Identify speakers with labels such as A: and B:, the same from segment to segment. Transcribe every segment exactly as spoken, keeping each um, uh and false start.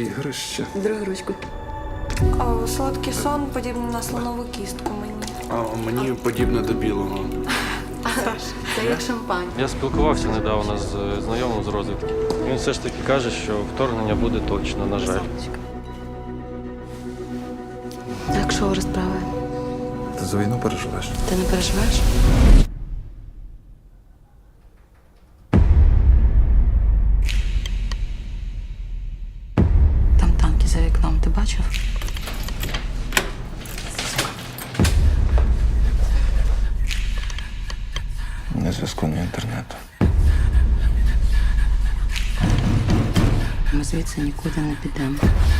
A: ігрище.
B: Другу ручку.
C: О, солодкий сон подібний на слонову кістку мені.
A: А мені подібне до білого.
B: Це як шампань.
D: Я спілкувався недавно з е, знайомим з розвідки. Він все ж таки каже, що вторгнення буде точно, на жаль.
B: Так, що розправи?
A: Ти за війну переживеш?
B: Ти не переживаєш? Там танки за вікном, ти бачив?
A: Ні зв'язку, ні інтернету.
B: Ми звідси нікуди не підемо.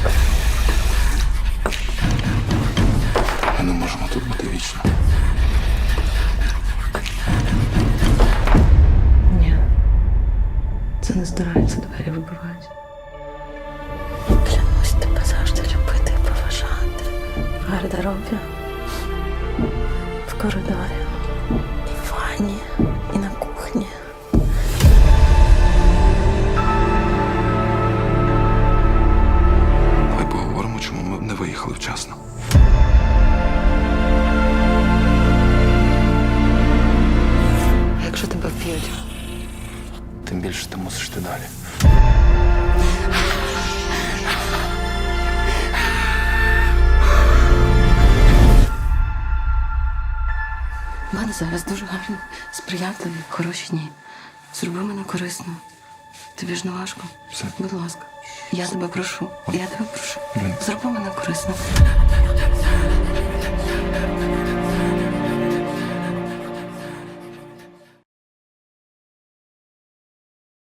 A: Ми не можемо тут бути вічно.
B: Ні. Це не здирається, двері вибивають. Клянусь тебе завжди любити і поважати. В гардеробі, в коридорі, і в ванні, і на кухні.
A: Давай поговоримо, чому ми не виїхали вчасно.
B: А якщо тебе вб'ють?
A: Тим більше ти мусиш йти далі.
B: У мене зараз дуже гарні, сприятливі, хороші дні. Зроби мене корисно. Тобі ж не важко.
A: Все.
B: Будь ласка. Я тебе прошу. Я тебе прошу.
A: Блін.
B: Зроби мене корисно.